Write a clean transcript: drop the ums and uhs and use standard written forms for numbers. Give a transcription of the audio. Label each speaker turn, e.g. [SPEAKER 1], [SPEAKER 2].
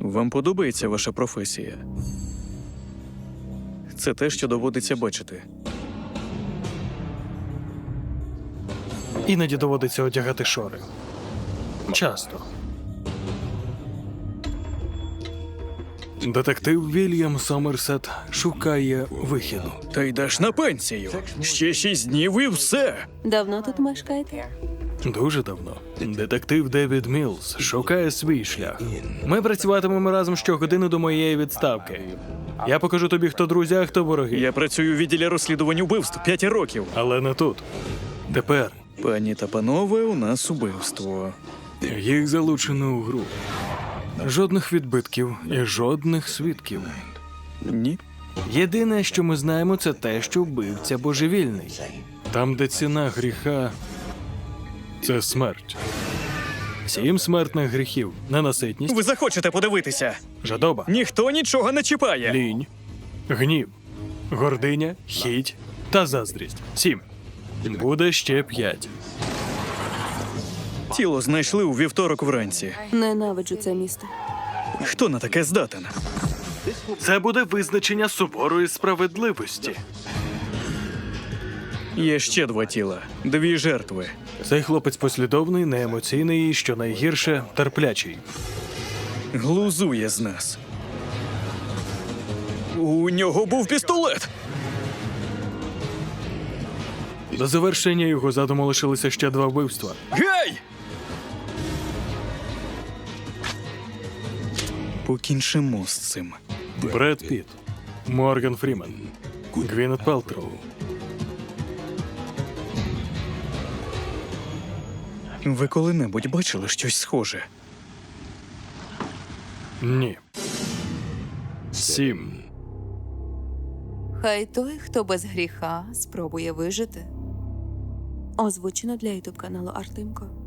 [SPEAKER 1] Вам подобається ваша професія? Це те, що доводиться бачити.
[SPEAKER 2] Іноді доводиться одягати шори. Часто. Детектив Вільям Сомерсет шукає вихіду.
[SPEAKER 1] Та йдеш на пенсію. Ще 6 днів і все.
[SPEAKER 3] Давно тут мешкаєте?
[SPEAKER 2] Дуже давно. Детектив Девід Мілс шукає свій шлях. Ми працюватимемо разом щогодини до моєї відставки. Я покажу тобі, хто друзі, а хто вороги.
[SPEAKER 1] Я працюю у відділі розслідувань убивств 5 років.
[SPEAKER 2] Але не тут. Тепер
[SPEAKER 1] Пані та панове, у нас убивство.
[SPEAKER 2] їх залучено у гру. Жодних відбитків і жодних свідків.
[SPEAKER 1] Ні?
[SPEAKER 2] Єдине, що ми знаємо, це те, що вбивця божевільний. Там, де ціна гріха – це смерть. 7 смертних гріхів. Ненаситність,
[SPEAKER 1] Ви захочете подивитися.
[SPEAKER 2] жадоба,
[SPEAKER 1] Ніхто нічого не чіпає.
[SPEAKER 2] лінь, гнів, гординя, хіть та заздрість. 7. Буде ще 5.
[SPEAKER 1] Тіло знайшли у вівторок вранці.
[SPEAKER 3] Ненавиджу це місто.
[SPEAKER 1] Хто на таке здатен?
[SPEAKER 2] Це буде визначення суворої справедливості.
[SPEAKER 1] Є ще 2 тіла. 2 жертви.
[SPEAKER 2] Цей хлопець послідовний, неемоційний і, що найгірше, терплячий.
[SPEAKER 1] Глузує з нас. У нього був пістолет.
[SPEAKER 2] До завершення його задуму лишилися ще 2 вбивства.
[SPEAKER 1] Гей! Покінчимо з цим.
[SPEAKER 2] Бред Піт, Морган Фрімен, Гвінет Пелтроу.
[SPEAKER 1] Ви коли-небудь бачили щось схоже?
[SPEAKER 2] Ні. 7.
[SPEAKER 3] Хай той, хто без гріха, спробує вижити. Озвучено для ютуб каналу Артемко.